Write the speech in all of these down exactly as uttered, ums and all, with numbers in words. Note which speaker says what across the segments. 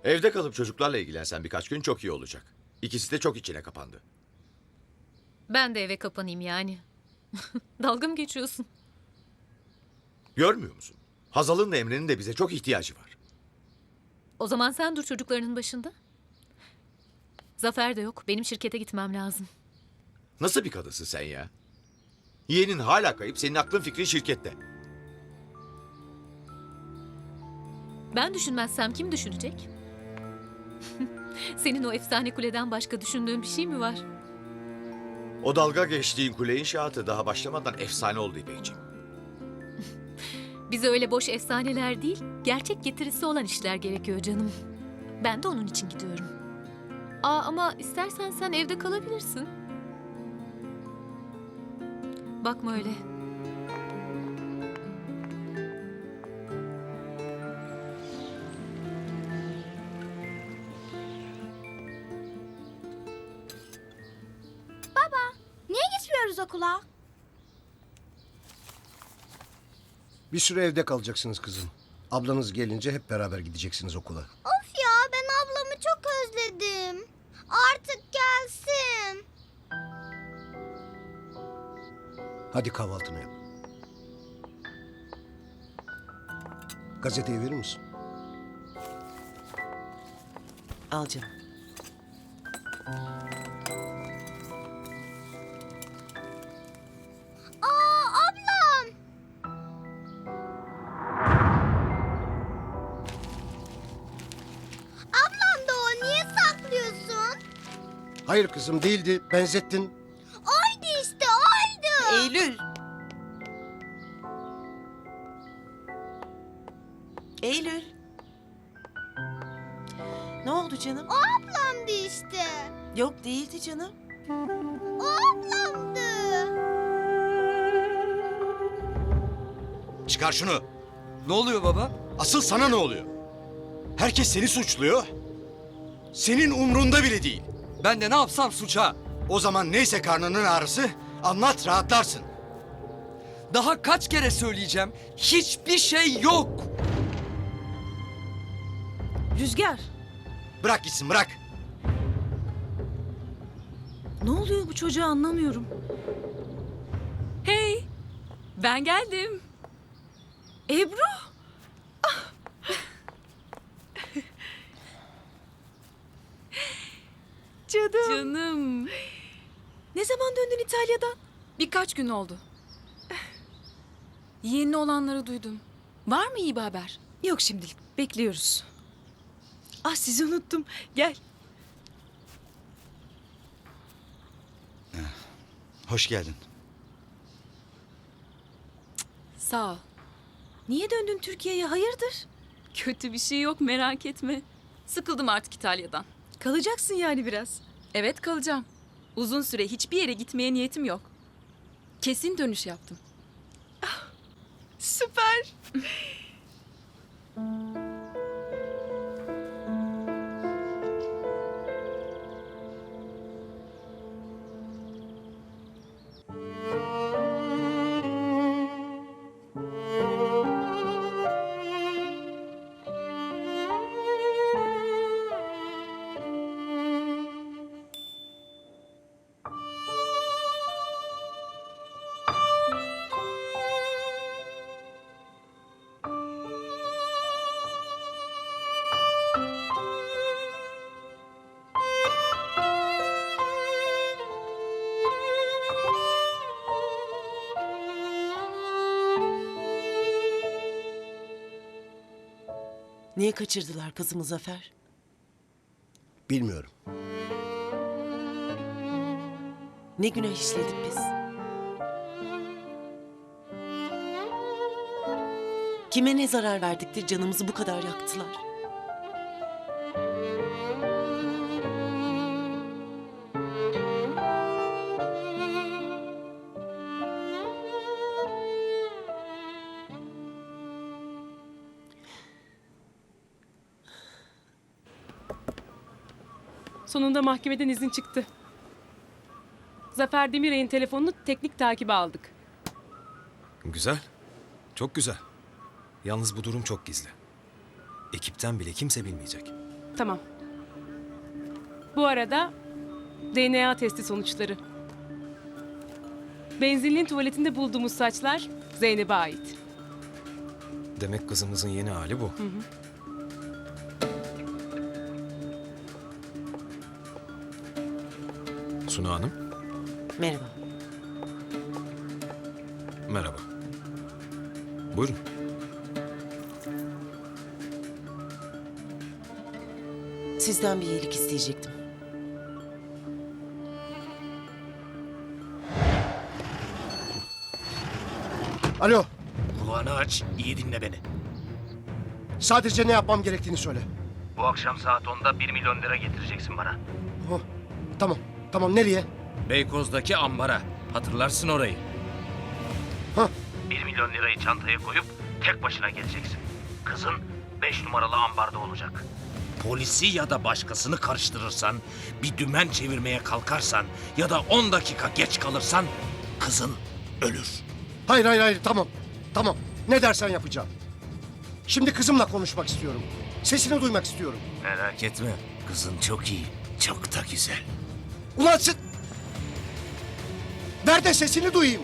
Speaker 1: Evde kalıp çocuklarla ilgilensen birkaç gün çok iyi olacak. İkisi de çok içine kapandı.
Speaker 2: Ben de eve kapanayım yani. Dalga mı geçiyorsun?
Speaker 1: Görmüyor musun? Hazal'ın da Emre'nin de bize çok ihtiyacı var.
Speaker 2: O zaman sen dur çocuklarının başında. Zafer de yok. Benim şirkete gitmem lazım.
Speaker 1: Nasıl bir kadınsın sen ya? Yeğenin hala kayıp, senin aklın fikrin şirkette.
Speaker 2: Ben düşünmezsem kim düşünecek? Senin o efsane kuleden başka düşündüğün bir şey mi var?
Speaker 1: O dalga geçtiğin kule inşaatı daha başlamadan efsane oldu İpekciğim.
Speaker 2: Bize öyle boş efsaneler değil, gerçek getirisi olan işler gerekiyor canım. Ben de onun için gidiyorum. Aa ama istersen sen evde kalabilirsin. Bakma öyle.
Speaker 3: Niye gitmiyoruz okula?
Speaker 4: Bir süre evde kalacaksınız kızım. Ablanız gelince hep beraber gideceksiniz okula.
Speaker 3: Of ya, ben ablamı çok özledim. Artık gelsin.
Speaker 4: Hadi kahvaltını yap. Gazeteyi verir misin?
Speaker 5: Al canım.
Speaker 3: Aa, ablam. Ablam da o, niye saklıyorsun?
Speaker 4: Hayır kızım, değildi. Benzettin.
Speaker 3: Oydu işte, oydu.
Speaker 5: Eylül. Eylül. Ne oldu canım?
Speaker 3: O ablamdı işte.
Speaker 5: Yok değildi canım.
Speaker 3: O ablamdı.
Speaker 6: Çıkar şunu.
Speaker 7: Ne oluyor baba?
Speaker 6: Asıl sana ne oluyor? Herkes seni suçluyor. Senin umrunda bile değil.
Speaker 7: Ben de ne yapsam suça.
Speaker 6: O zaman neyse karnının ağrısı anlat rahatlarsın.
Speaker 7: Daha kaç kere söyleyeceğim? Hiçbir şey yok.
Speaker 5: Rüzgar.
Speaker 6: Bırak gitsin bırak.
Speaker 5: Ne oluyor bu çocuğa anlamıyorum.
Speaker 2: Hey, ben geldim.
Speaker 5: Ebru. Canım.
Speaker 2: Canım.
Speaker 5: Ne zaman döndün İtalya'dan?
Speaker 8: Birkaç gün oldu. Yeni olanları duydum. Var mı iyi bir haber?
Speaker 5: Yok şimdilik. Bekliyoruz. Ah sizi unuttum. Gel.
Speaker 6: Hoş geldin.
Speaker 8: Sağ ol.
Speaker 5: Niye döndün Türkiye'ye? Hayırdır?
Speaker 8: Kötü bir şey yok merak etme. Sıkıldım artık İtalya'dan.
Speaker 5: Kalacaksın yani biraz.
Speaker 8: Evet kalacağım. Uzun süre hiçbir yere gitmeye niyetim yok. Kesin dönüş yaptım.
Speaker 5: Süper.
Speaker 9: Niye kaçırdılar kızımı Zafer?
Speaker 4: Bilmiyorum.
Speaker 9: Ne günah işledik biz? Kime ne zarar verdiktir canımızı bu kadar yaktılar?
Speaker 10: Sonunda mahkemeden izin çıktı. Zafer Demirey'in telefonunu teknik takibe aldık.
Speaker 11: Güzel. Çok güzel. Yalnız bu durum çok gizli. Ekipten bile kimse bilmeyecek.
Speaker 10: Tamam. Bu arada D N A testi sonuçları. Benzinliğin tuvaletinde bulduğumuz saçlar Zeynep'e ait.
Speaker 11: Demek kızımızın yeni hali bu. Suna Hanım,
Speaker 9: Merhaba.
Speaker 11: merhaba. Buyurun.
Speaker 9: Sizden bir iyilik isteyecektim.
Speaker 4: Alo.
Speaker 6: Kulağını aç, iyi dinle beni.
Speaker 4: Sadece ne yapmam gerektiğini söyle.
Speaker 12: Bu akşam saat onda bir milyon lira getireceksin bana.
Speaker 4: Oh, tamam. Tamam nereye?
Speaker 12: Beykoz'daki ambara. Hatırlarsın orayı.
Speaker 4: Hah.
Speaker 12: Bir milyon lirayı çantaya koyup tek başına geleceksin. Kızın beş numaralı ambarda olacak. Polisi ya da başkasını karıştırırsan, bir dümen çevirmeye kalkarsan ya da on dakika geç kalırsan kızın ölür.
Speaker 4: Hayır hayır hayır tamam. Tamam. Ne dersen yapacağım. Şimdi kızımla konuşmak istiyorum. Sesini duymak istiyorum.
Speaker 12: Merak etme, kızın çok iyi, çok da güzel.
Speaker 4: Ulan sen... Ver de sesini duyayım.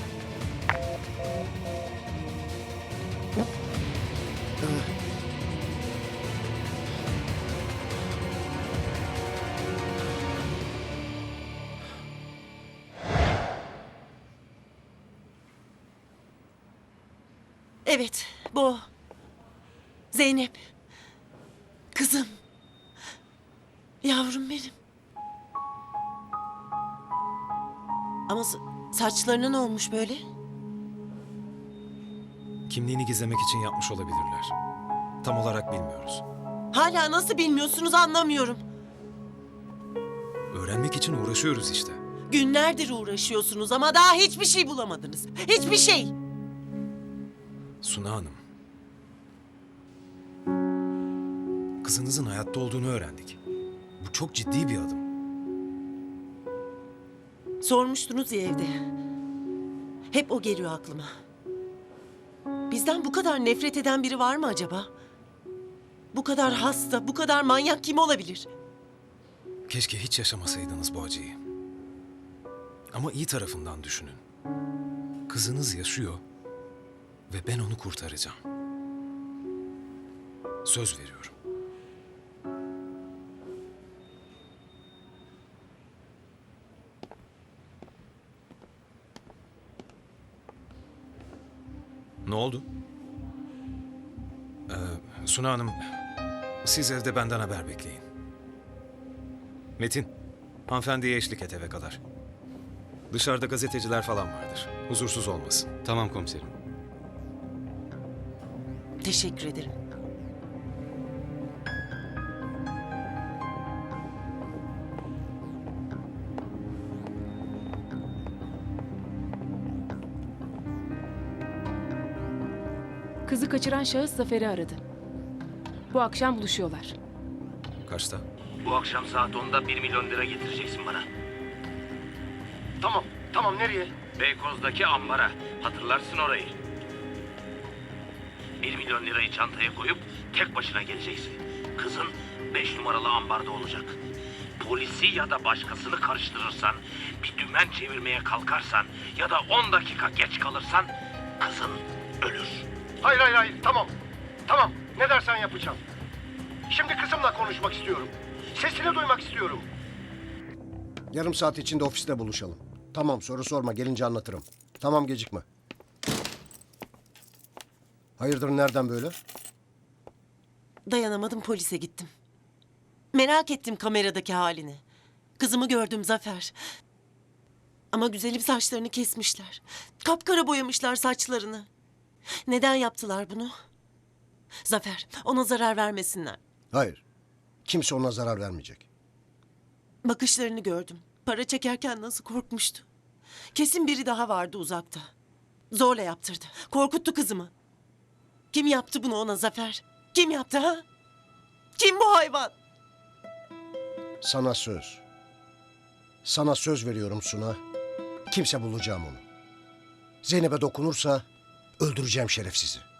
Speaker 9: Evet, bu. Zeynep. Kızım. Yavrum benim. Ama sa- saçlarına ne olmuş böyle?
Speaker 11: Kimliğini gizlemek için yapmış olabilirler. Tam olarak bilmiyoruz.
Speaker 9: Hala nasıl bilmiyorsunuz anlamıyorum.
Speaker 11: Öğrenmek için uğraşıyoruz işte.
Speaker 9: Günlerdir uğraşıyorsunuz ama daha hiçbir şey bulamadınız. Hiçbir şey.
Speaker 11: Suna Hanım. Kızınızın hayatta olduğunu öğrendik. Bu çok ciddi bir adım.
Speaker 9: Sormuştunuz ya evde. Hep o geliyor aklıma. Bizden bu kadar nefret eden biri var mı acaba? Bu kadar hasta, bu kadar manyak kim olabilir?
Speaker 11: Keşke hiç yaşamasaydınız bu acıyı. Ama iyi tarafından düşünün. Kızınız yaşıyor ve ben onu kurtaracağım. Söz veriyorum. Ne oldu? Ee, Suna Hanım, siz evde benden haber bekleyin. Metin, hanımefendiye eşlik et eve kadar. Dışarıda gazeteciler falan vardır. Huzursuz olmasın. Tamam komiserim.
Speaker 9: Teşekkür ederim.
Speaker 10: Kızı kaçıran şahıs Zafer'i aradı. Bu akşam buluşuyorlar.
Speaker 11: Kaçta?
Speaker 12: Bu akşam saat onda bir milyon lira getireceksin bana.
Speaker 4: Tamam. Tamam nereye?
Speaker 12: Beykoz'daki ambara. Hatırlarsın orayı. Bir milyon lirayı çantaya koyup tek başına geleceksin. Kızın beş numaralı ambarda olacak. Polisi ya da başkasını karıştırırsan, bir dümen çevirmeye kalkarsan ya da on dakika geç kalırsan kızın ölür.
Speaker 4: Hayır hayır hayır tamam. Tamam ne dersen yapacağım. Şimdi kızımla konuşmak istiyorum. Sesini duymak istiyorum. Yarım saat içinde ofiste buluşalım. Tamam soru sorma gelince anlatırım. Tamam gecikme. Hayırdır nereden böyle?
Speaker 9: Dayanamadım polise gittim. Merak ettim kameradaki halini. Kızımı gördüm Zafer. Ama güzelim saçlarını kesmişler. Kapkara boyamışlar saçlarını. Neden yaptılar bunu? Zafer, ona zarar vermesinler.
Speaker 4: Hayır. Kimse ona zarar vermeyecek.
Speaker 9: Bakışlarını gördüm. Para çekerken nasıl korkmuştu. Kesin biri daha vardı uzakta. Zorla yaptırdı. Korkuttu kızımı. Kim yaptı bunu ona Zafer? Kim yaptı ha? Kim bu hayvan?
Speaker 4: Sana söz. Sana söz veriyorum Suna. Kimse bulacağım onu. Zeynep'e dokunursa öldüreceğim şerefsizi.